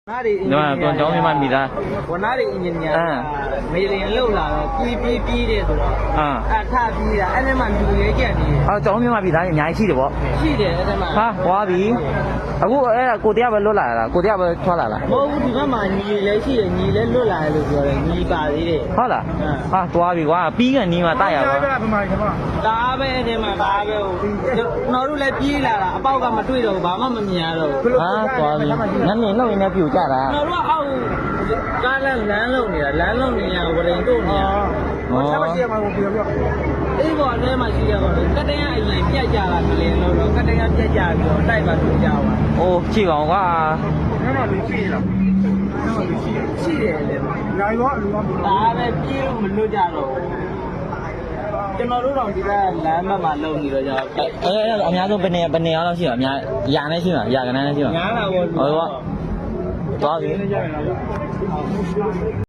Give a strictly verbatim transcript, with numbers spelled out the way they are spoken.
ဒီမှာကွန်ကျောင်းမိမမိသားဝနာရီအင်ဂျင်နီယာမေလင်လောက်လာတော့ပြီးပြီးပြီးတယ်ဆိုတော့အထပြီးတာအဲ့ဒီမှာလူရဲကြက်နေတယ်အော်ကျောင်းမိမမိသားအများကြီးရှိတယ်ပေါ့ရှိတယ်အဲ့ဒီမှာဟာဟွာပြီအခုအဲ့ဒါကိုတရားပဲလွတ်လာတာကိုတရားပဲထွက်လာလားမဟုတ်ဘူးဒီဘက်မှာညီလည်းရှိတယ်ညီလည်းလွတ်လာတယ်လို့ပြောတယ်ညီပါသေးတယ်ဟုတ်လားဟာသွားပြီကွာပြီးကန်နီးမှာတိုက်ရပါဒါပဲအဲ့ဒီမှာဒါပဲဟိုကျွန်တော်တို့လည်းပြေးလာတာအပေါက်ကမတွေ့တော့ဘူးဘာမှမမြင်ရတော့ဘူးဟာသွားပြီငန်းနေလောက်ရင်းနဲ့ပြူကြတာကျွန်တော်တို့အောက်ကားလမ်းလမ်းလုံးနေတာလမ်းလုံးနေရဝရင်တို့နေရဟောအေးပေါ်ထဲမှာရှိရပါတော့ကတ္တရအရင်ပြတ်ကြတာကလေးလို့တော့ကတ္တရပြတ်ကြပြီးတော့တိုက်ပါလို့ကြောက်ပါအိုးကြည့်ကောင်ကွာရှိတယ်လေဒါပဲပြေးလို့မလွတ်ကြတော့ကျွန်တော်တို့တော့ဒီကလမ်းဘက်မှာလုံနေတော့ကြာအဲ့အဲ့အများဆုံးဘယ်နေဘယ်နေအောင်ရှိမှာအများရာနဲ့ရှိမှာရာကနန်းနဲ့ရှိမှာညားလာပေါ့ဟုတ်ပါသွားပြီ